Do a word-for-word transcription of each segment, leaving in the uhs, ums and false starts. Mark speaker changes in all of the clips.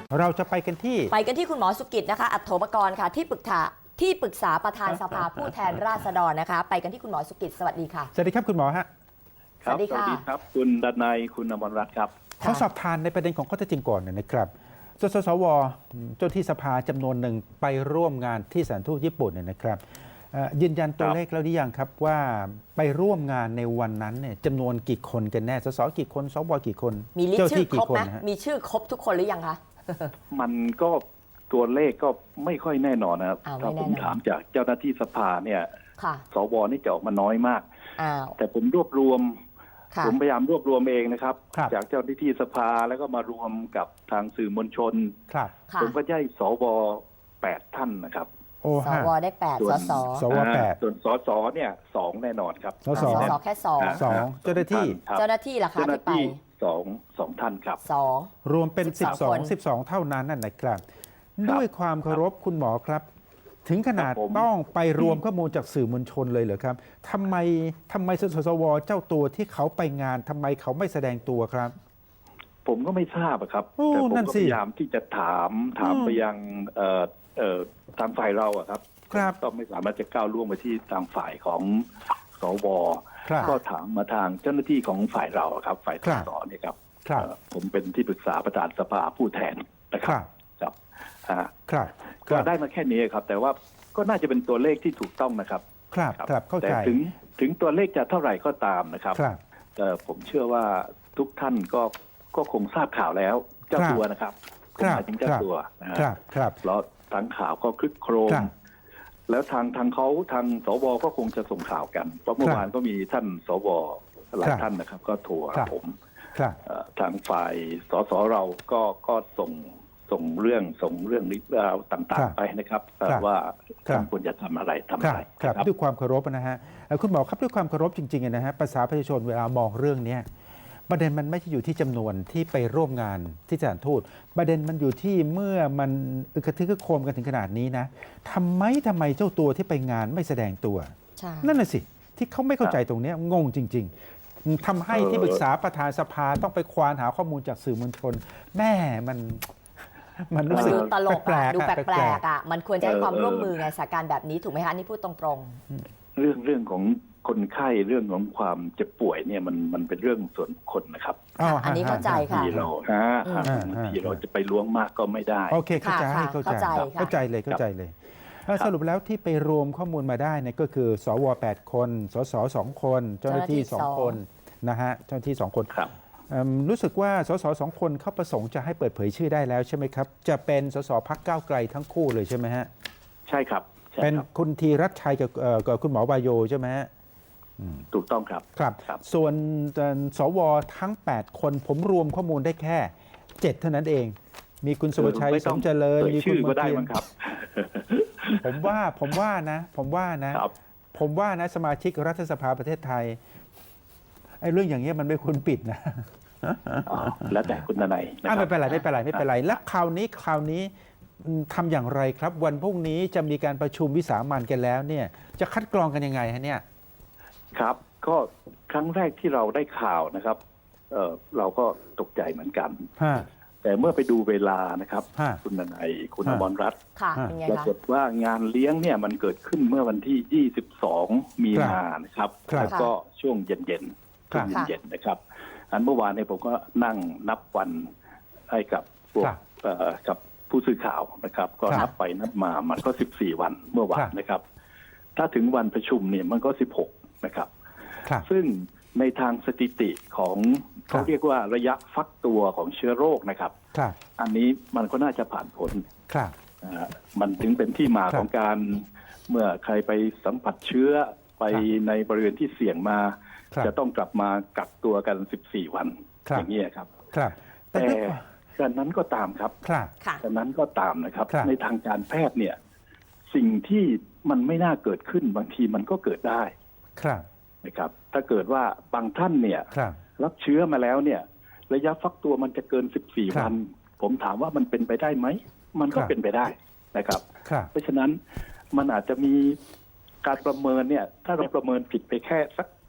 Speaker 1: เราจะไปกันที่
Speaker 2: ไปกันที่คุณหมอสุกิจนะคะอัฏโฐปกรณ์ค่ะที่ปรึกษาที่ปรึกษาประธานสภาผู้แทนราษฎรนะคะไปกันที่คุณหมอสุกิจสวัสดีค่ะ
Speaker 1: สวัสดีครับคุณหมอฮะ
Speaker 3: สวัสดีค่ะสวัสดีครับคุณดนัยคุณอมรรัตน์ครับ
Speaker 1: ขอสอบทานในประเด็นของข้อเท็จจริงก่อนนะครับสสสวเจ้าที่สภาจำนวนหนึ่งไปร่วมงานที่สถานทูตญี่ปุ่นเนี่ยนะครับยืนยันตัวเลขแล้วหรือยังครับว่าไปร่วมงานในวันนั้นเนี่ยจำนวนกี่คนกันแน่สสกี่คนสวกี่คน
Speaker 2: มีลิสต์ชื่อครบไหมมีชื่อครบทุกคนหรือยังคะ
Speaker 3: มันก็ตัวเลขก็ไม่ค่อยแน่นอนนะครับถ้าผมถามจากเจ้าหน้าที่สภาเนี่ยสวนี่จะออกมาน้อยมากแต่ผมรวบรวมผมพยายามรวบรวมเองนะครับจากเจ้าหน้าที่สภาแล้วก็มารวมกับทางสื่อมวลชนผมก็ได้สวแปดท่านนะครับ
Speaker 2: สวได้แปดสส
Speaker 1: สวแปด
Speaker 3: ส่วนสสเนี่ยสองแน่นอนครับ
Speaker 2: สสแค่สอง
Speaker 1: สองเจ้าหน้าที่
Speaker 2: เจ้าหน้าที่ล่ะคะที่ไป
Speaker 3: สองสองท่านครับ
Speaker 2: สอง
Speaker 1: รวมเป็นสิบสอง สิบสองเท่านั้นนั่นนะครับด้วยความเคารพคุณหมอครับถึงขนาดต้องไปรวมข้อมูลจากสื่อมวลชนเลยเหรอครับทำไมทำไมสสวเจ้าตัวที่เขาไปงานทำไมเขาไม่แสดงตัวครับ
Speaker 3: ผมก็ไม่ทราบครับแต่ผมก็พยายามที่จะถามถามไปยังทางฝ่ายเราครับก็ไม่สามารถจะก้าวล่วงไปที่ทางฝ่ายของสวก็ถามมาทางเจ้าหน้าที่ของฝ่ายเราครับฝ่ายสสเนี่ยครับผมเป็นที่ปรึกษาประธานสภาผู้แทนนะครับ
Speaker 1: ครับ
Speaker 3: ก็ได้มาแค่นี้ครับแต่ว่าก็น่าจะเป็นตัวเลขที่ถูกต้องนะครับ
Speaker 1: ครับครับเข้าใจ
Speaker 3: แต่ถึงถึงตัวเลขจะเท่าไหร่ก็ตามนะครับแต่ผมเชื่อว่าทุกท่านก็ก็คงทราบข่าวแล้วเจ้าตัวนะครับหมายถึงเจ้าตัวนะครับแล้วทางข่าวก็คลึกโครมแล้วทางทางเขาทางสวก็คงจะส่งข่าวกันเพราะเมื่อวานก็มีท่านสวหลายท่านนะครับก็โทรผมทางฝ่ายสสเราก็ก็ส่งส่งเรื่องส่งเรื่องนี้ราวต่างๆไปนะครับว่าควรจะทำอะไรทำอะไร
Speaker 1: ครับด้วยความเคารพนะฮะคุณหมอครับด้วยความเคารพจริงๆนะฮะภาษาประชาชนเวลามองเรื่องนี้ประเด็นมันไม่ใช่อยู่ที่จำนวนที่ไปร่วมงานที่สถานทูตประเด็นมันอยู่ที่เมื่อมันอึกระทึกกระโคมกันถึงขนาดนี้นะทำไมทำไมเจ้าตัวที่ไปงานไม่แสดงตัวนั่นน่ะสิที่เขาไม่เข้าใจตรงนี้งงจริงๆทำให้ที่ปรึกษาประธานสภาต้องไปควานหาข้อมูลจากสื่อมวลชนแม่มัน
Speaker 2: มันรู้สึกตลกอะดูแปลกๆอ่ะมันควรจะให้ความร่วมมือไงสถานการณ์แบบนี้ถูกไหมคะนี่พูดตรง
Speaker 3: ๆเรื่องเรื่องของคนไข้เรื่องของความเจ็บป่วยเนี่ยมันมันเป็นเรื่องส่วนบุคคลนะครับ
Speaker 2: อันนี้เข้าใจค่ะ
Speaker 3: ที่เราฮะที่เราจะไปล้วงมากก็ไม่ได้
Speaker 1: โอเคเข้าใจเข้าใจเข้าใจเลยเข้าใจเลยสรุปแล้วที่ไปรวมข้อมูลมาได้เนี่ยก็คือสวแปดคนสสสองคนเจ้าหน้าที่สองคนนะฮะเจ้าหน้าที่สองคนรู้สึกว่าสสสองคนเขาประสงค์จะให้เปิดเผยชื่อได้แล้วใช่ไหมครับจะเป็นสสพรรคก้าวไกลทั้งคู่เลยใช่ไหมฮะ
Speaker 3: ใช่ครับ
Speaker 1: เป็นคุณธีรัชชัยกับกับคุณหมอวายโยใช่ไหมฮะ
Speaker 3: ถูกต้องครับ
Speaker 1: ครับส่วนสวทั้งแปดคนผมรวมข้อมูลได้แค่เจ็ดเท่านั้นเองมีคุณสุวชัยสมเจริญมีคุณ
Speaker 3: ก็ได้มั้งครับ
Speaker 1: ผมว่าผมว่านะผมว่านะผมว่านะสมาชิกรัฐสภาประเทศไทยไอ้เรื่องอย่างเงี้ยมันไม่ควรปิดนะ
Speaker 3: แล้วแต่คุณนาย
Speaker 1: ไม่เป็นไรไม่เป็นไรไม่เป็นไรแล้วคราวนี้คราวนี้ทำอย่างไรครับวันพรุ่งนี้จะมีการประชุมวิสามัญกันแล้วเนี่ยจะคัดกรองกันยังไงฮะเนี่ย
Speaker 3: ครับก็ครั้งแรกที่เราได้ข่าวนะครับเอ่อเราก็ตกใจเหมือนกันแต่เมื่อไปดูเวลานะครับคุณนายคุณอมรรัตน์ปรากฏว่างานเลี้ยงเนี่ยมันเกิดขึ้นเมื่อวันที่ยี่สิบสองมีนานะครับแล้วก็ช่วงเย็นๆช่วงเย็นๆนะครับอันเมื่อวานเนี่ยผมก็นั่งนับวันให้กับพวกกับผู้สื่อข่าวนะครับก็นับไปนับมามันก็สิบสี่วันเมื่อวานนะครับถ้าถึงวันประชุมเนี่ยมันก็สิบหกนะครับซึ่งในทางสถิติของเขาเรียกว่าระยะฟักตัวของเชื้อโรคนะครับอันนี้มันก็น่าจะผ่านผลมันถึงเป็นที่มาของการเมื่อใครไปสัมผัสเชื้อไปในบริเวณที่เสี่ยงมาจะต้องกลับมากักตัวกันสิบสี่วันอย่างนี้ครับแต่ดังนั้นก็ตามครับดังนั้นก็ตามนะครับในทางการแพทย์เนี่ยสิ่งที่มันไม่น่าเกิดขึ้นบางทีมันก็เกิดได้นะครับถ้าเกิดว่าบางท่านเนี่ยรับเชื้อมาแล้วเนี่ยระยะฟักตัวมันจะเกินสิบสี่วันผมถามว่ามันเป็นไปได้ไหมมันก็เป็นไปได้นะครับเพราะฉะนั้นมันอาจจะมีการประเมินเนี่ยถ้าเราประเมินผิดไปแค่สัก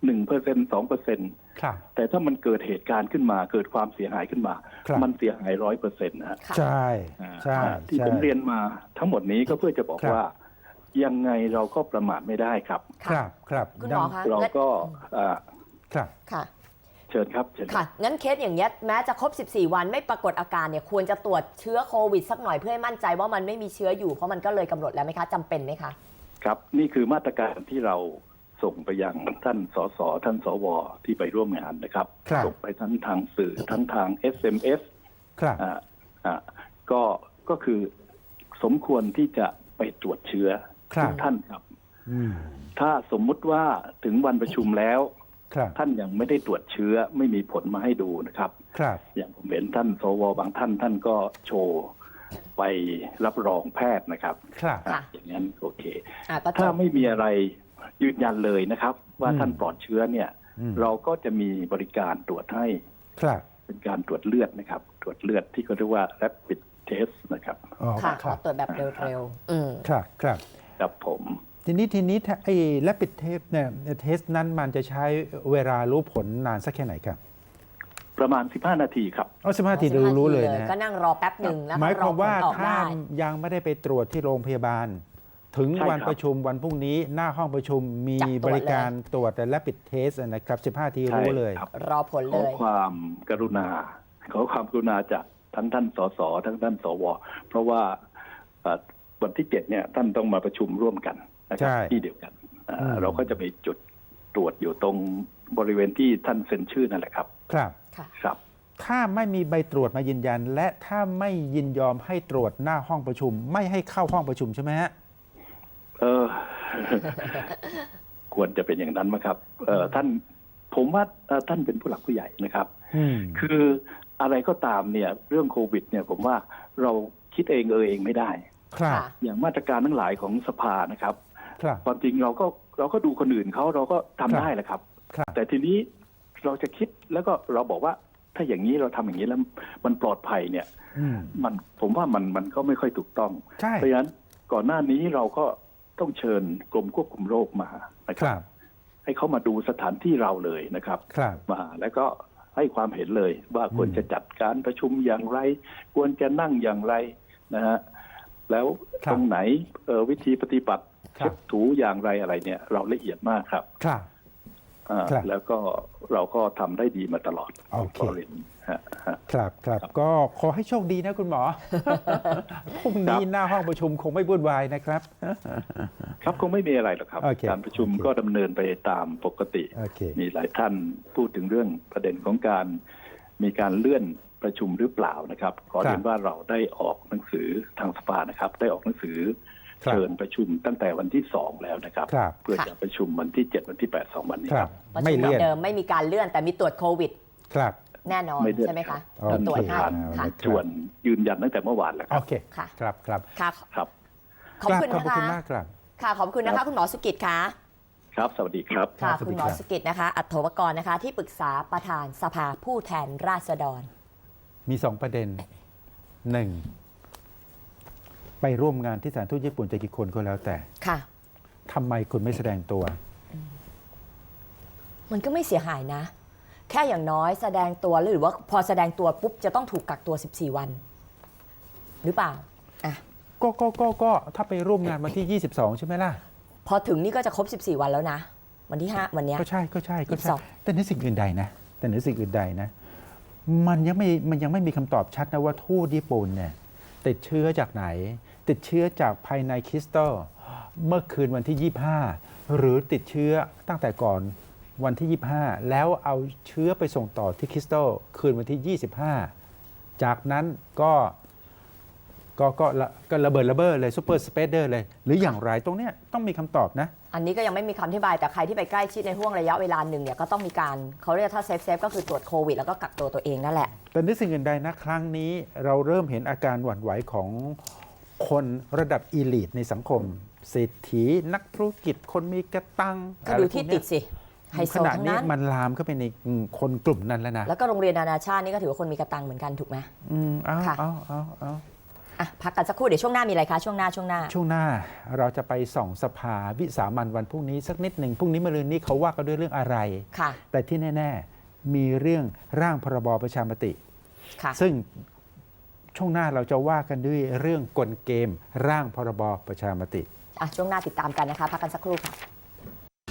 Speaker 3: หนึ่งเปอร์เซ็นต์สองเปอร์เซ็นต์แต่ถ้ามันเกิดเหตุการณ์ขึ้นมาเกิดความเสียหายขึ้นมา มันเสียหายร้อยเปอร์เซ็นต์นะฮะ
Speaker 1: ใช่ใช่
Speaker 3: ที่ผมเรียนมาทั้งหมดนี้ก็เพื่อจะบอกว่ายังไงเราก็ประมาทไม่ได้ครับ
Speaker 1: ครับครับ
Speaker 2: คุณหมอคะ
Speaker 3: เราก็
Speaker 1: ครับ
Speaker 2: ค่ะ
Speaker 3: เชิญครับเชิญ
Speaker 2: ค่ะงั้นเคสอย่างเงี้ยแม้จะครบสิบสี่วันไม่ปรากฏอาการเนี่ยควรจะตรวจเชื้อโควิดสักหน่อยเพื่อให้มั่นใจว่ามันไม่มีเชื้ออยู่เพราะมันก็เลยกำหนดแล้วไหมคะจำเป็นไหมคะ
Speaker 3: ครับนี่คือมาตรการที่เราส่งไปยังท่านสสท่านสวที่ไปร่วมงานนะครับส่งไปทั้งทางสื่อทั้งทาง เอส เอ็ม เอส
Speaker 1: ครับ
Speaker 3: อ่าอ่าก็ก็คือสมควรที่จะไปตรวจเชื้อทุกท่านครับถ้าสมมุติว่าถึงวันประชุมแล้วท่านยังไม่ได้ตรวจเชื้อไม่มีผลมาให้ดูนะครับอย่างผมเห็นท่านสวบางท่านท่านก็โชว์ไปรับรองแพทย์นะครับอย่างนั้นโอเคถ้าไม่มีอะไรยืนยันเลยนะครับว่าท่านปลอดเชื้อเนี่ยเราก็จะมีบริการตรวจให้เป็นการตรวจเลือดนะครับตรวจเลือดที่เขาเรียกว่า rapid test นะครับ
Speaker 2: ค่ะตรวจแบบเร็ว
Speaker 1: ๆครับครับ
Speaker 3: ครับผม
Speaker 1: ทีนี้ทีนี้ไอ้ rapid test เนี่ยเทสนั้นมันจะใช้เวลารู้ผลนานสักแค่ไหนครับ
Speaker 3: ประมาณสิบห้านาทีครับ
Speaker 1: อ๋อสิบห้านาทีรู้รู้เลยนะ
Speaker 2: ก็นั่งรอแป๊บหนึ่งแล้ว
Speaker 1: หมายความว่าถ้ายังไม่ได้ไปตรวจที่โรงพยาบาลถึงวันประชุมวันพรุ่งนี้หน้าห้องประชุมมีบริการตรวจแต่ rapid test นะครับสิบห้านาทีรู้เลย
Speaker 2: รอผลเลย
Speaker 3: ขอความกรุณาขอความกรุณาจากทั้งท่านสสทั้งท่านสวเพราะว่าวันที่เจ็ดเนี่ยท่านต้องมาประชุมร่วมกันนะครับที่เดียวกันเราก็จะมีจุดตรวจอยู่ตรงบริเวณที่ท่านเซ็นชื่อนั่นแหละครับ
Speaker 1: ครับ
Speaker 3: ครับ
Speaker 1: ถ้าไม่มีใบตรวจมายืนยันและถ้าไม่ยินยอมให้ตรวจหน้าห้องประชุมไม่ให้เข้าห้องประชุมใช่ไหมฮะ
Speaker 3: เออ ควรจะเป็นอย่างนั้นไหมครับเออท่านผมว่าท่านเป็นผู้หลักผู้ใหญ่นะครับคืออะไรก็ตามเนี่ยเรื่องโควิดเนี่ยผมว่าเราคิดเองเออเองไม่ได้อย่างมาตรการทั้งหลายของสภานะครับความจริงเราก็เราก็ดูคนอื่นเขาเราก็ทำได้แหละครับแต่ทีนี้เราจะคิดแล้วก็เราบอกว่าถ้าอย่างนี้เราทำอย่างนี้แล้วมันปลอดภัยเนี่ยมันผมว่ามันมันก็ไม่ค่อยถูกต้องเพราะฉะนั้นก่อนหน้านี้เราก็ต้องเชิญกรมควบคุมโรคมานะครับให้เขามาดูสถานที่เราเลยนะครับมาแล้วก็ให้ความเห็นเลยว่าควรจะจัดการประชุมอย่างไรควรจะนั่งอย่างไรนะฮะแล้วตรงไหนวิธีปฏิบัติเช็ดถูอย่างไรอะไรเนี่ยเราละเอียดมากครับแล้วก็เราก็ทำได้ดีมาตลอด
Speaker 1: โอเคครับครับก็ขอให้โชคดีนะคุณหมอพรุ่งนี้หน้าห้องประชุมคงไม่วุ่นวายนะครับ
Speaker 3: ครับคงไม่มีอะไรหรอกครับการประชุมก็ดำเนินไปตามปกติมีหลายท่านพูดถึงเรื่องประเด็นของการมีการเลื่อนประชุมหรือเปล่านะครับขอเรียนว่าเราได้ออกหนังสือทางสภานะครับได้ออกหนังสือเชิญประชุมตั้งแต่วันที่สองแล้วนะครับเพื่อจะประชุมวันที่เจ็ดวันที่แปดสองวันนี้ครับ
Speaker 2: ไม่เลื่อนเดิมไม่มีการเลื่อนแต่มีตรวจโควิด
Speaker 1: ครับ
Speaker 2: แน่นอนใช่ไหมคะ
Speaker 3: ตรวจให้ชวนยืนยันตั้งแต่เมื่อวานแล้วครับ
Speaker 1: โอเคครับครับ
Speaker 3: ครับ
Speaker 2: ขอบคุณนะคะ
Speaker 1: ขอบคุณมากครับ
Speaker 2: ค่ะขอบคุณนะคะคุณหมอสุกิจค่ะ
Speaker 3: ครับสวัสดีครับ
Speaker 2: ค่ะคุณหมอสุกิจนะคะอัฏฐวกรนะคะที่ปรึกษาประธานสภาผู้แทนราษฎร
Speaker 1: มีสองประเด็นหนึ่งไปร่วมงานที่สถานทูตญี่ปุ่นจะกี่คนก็แล้วแต่
Speaker 2: ค่ะ
Speaker 1: ทำไมคุณไม่แสดงตัว
Speaker 2: มันก็ไม่เสียหายนะแค่อย่างน้อยแสดงตัวหรือว่าพอแสดงตัวปุ๊บจะต้องถูกกักตัวสิบสี่วันหรือเปล่าอ่ะ
Speaker 1: ก็ก็ก็ก็ถ้าไปร่วมงานวันที่ยี่สิบสองใช่ไหมล่ะ
Speaker 2: พอถึงนี่ก็จะครบสิบสี่วันแล้วนะวันที่ห้าวันนี้
Speaker 1: ก็ใช่ก็ใช่ก็ใช่แต่ในสิ่งอื่นใดนะแต่ในสิ่งอื่นใดนะมันยังไม่มันยังไม่มีคำตอบชัดนะว่าทูตญี่ปุ่นเนี่ยติดเชื้อจากไหนติดเชื้อจากภายในคริสตัลเมื่อคืนวันที่ยี่สิบห้าหรือติดเชื้อตั้งแต่ก่อนวันที่ยี่สิบห้าแล้วเอาเชื้อไปส่งต่อที่คริสตัลคืนวันที่ยี่สิบห้าจากนั้นก็ก็ก็ก็ระเบิดระเบ้อเลยซูเปอร์สเปเดอร์เลยหรืออย่างไรตรงเนี้ยต้องมีคำตอบนะ
Speaker 2: อันนี้ก็ยังไม่มีคำอธิบายแต่ใครที่ไปใกล้ชิดในห่วงระยะเวลาหนึ่งเนี่ยก็ต้องมีการเขาเรียกถ้าเซฟเซฟก็คือตรวจโควิดแล้วก็กักตัวตัวเองนั่นแหละ
Speaker 1: แต่ในสิ่งอื่นใดนะครั้งนี้เราเริ่มเห็นอาการหวั่นไหวของคนระดับอีลิทในสังคมเศรษฐีนักธุรกิจคนมีกระตัง
Speaker 2: ก็ดูที่ติดสิไฮโซทั้งนั้น
Speaker 1: ขณะนี้มันลามเข้าไปในคนกลุ่มนั้นแล้วนะ
Speaker 2: แล้วก็โรงเรียนนานาชาตินี่ก็ถือว่าคนมีกระตังเหมือนกันถูกไหม
Speaker 1: อืมเอาเอาเอาเอา
Speaker 2: อ่ะพักกันสักครู่เดี๋ยวช่วงหน้ามีอะไรคะช่วงหน้าช่วงหน้า
Speaker 1: ช่วงหน้าเราจะไปส่องสภาวิสามัญวันพรุ่งนี้สักนิดหนึ่งพรุ่งนี้มะรืนนี้เขาว่ากันด้วยเรื่องอะไร
Speaker 2: ค่ะ
Speaker 1: แต่ที่แน่ๆมีเรื่องร่างพรบประชามติ
Speaker 2: ค่ะ
Speaker 1: ซึ่งช่วงหน้าเราจะว่ากันด้วยเรื่องกลเกมร่างพรบประชามติ
Speaker 2: อ่ะช่วงหน้าติดตามกันนะคะพักกันสักครู่ค่ะ